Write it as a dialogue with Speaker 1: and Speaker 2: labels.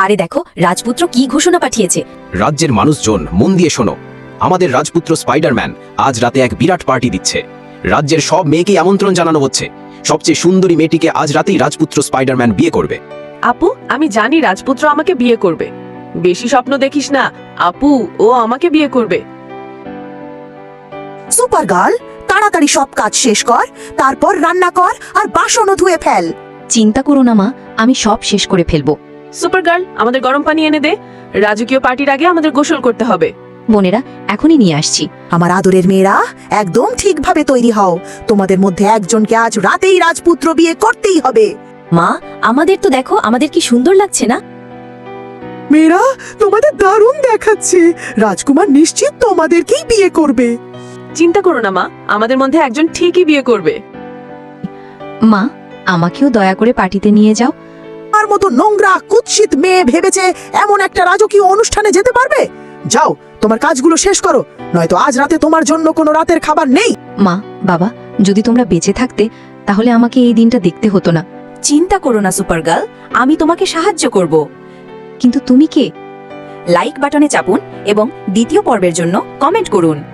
Speaker 1: আরে দেখো, রাজপুত্র কি ঘোষণা পাঠিয়েছে।
Speaker 2: রাজ্যের মানুষজন মন দিয়ে শোনো, আমাদের রাজপুত্র স্পাইডারম্যান আজ রাতে এক বিরাট পার্টি দিচ্ছে। রাজ্যের সব মেয়েকে আমন্ত্রণ জানানো হচ্ছে। সবচেয়ে সুন্দরী মেয়েটিকে আজ রাতেই রাজপুত্র স্পাইডারম্যান বিয়ে করবে।
Speaker 3: আপু, আমি জানি রাজপুত্র আমাকে বিয়ে করবে। বেশি স্বপ্ন দেখিস না আপু, ও আমাকে বিয়ে করবে।
Speaker 4: সুপার গার্ল, তাড়াতাড়ি সব কাজ শেষ কর, তারপর রান্না কর আর বাসনও ধুয়ে ফেল।
Speaker 1: চিন্তা করো না মা, আমি সব শেষ করে ফেলবো।
Speaker 3: সুপার গার্ল, আমাদের গরম পানি এনে দে। রাজকীয় পার্টির আগে আমাদের গোসল করতে হবে।
Speaker 1: বোনেরা, এখনই নিয়ে আসছি।
Speaker 4: আমার আদরের মেয়েরা, একদম ঠিকভাবে তৈরি হও। তোমাদের মধ্যে একজনকে আজ রাতেই রাজপুত্র বিয়ে করতেই হবে।
Speaker 1: মা, আমাদের তো দেখো, আমাদের কি সুন্দর লাগছে না?
Speaker 4: মেয়েরা, তোমাদের দারুণ দেখাচ্ছে। রাজকুমার নিশ্চিত তোমাদেরকেই বিয়ে করবে।
Speaker 3: চিন্তা করো না মা, আমাদের মধ্যে একজন ঠিকই বিয়ে করবে।
Speaker 1: মা, আমাকেও দয়া করে পার্টিতে নিয়ে যাও।
Speaker 4: আর মতো নোংরা কুৎসিত মেয়ে ভেবেছে এমন একটা রাজকীয় অনুষ্ঠানে যেতে পারবে? যাও, তোমার কাজগুলো শেষ করো, নয়তো আজ রাতে তোমার জন্য কোনো রাতের খাবার নেই।
Speaker 1: মা, বাবা, যদি তোমরা বেঁচে থাকতে তাহলে আমাকে এই দিনটা দেখতে হতো না। চিন্তা করো না সুপার গার্ল, আমি তোমাকে সাহায্য করব। কিন্তু তুমি কে? লাইক বাটনে চাপুন এবং দ্বিতীয় পর্বের জন্য কমেন্ট করুন।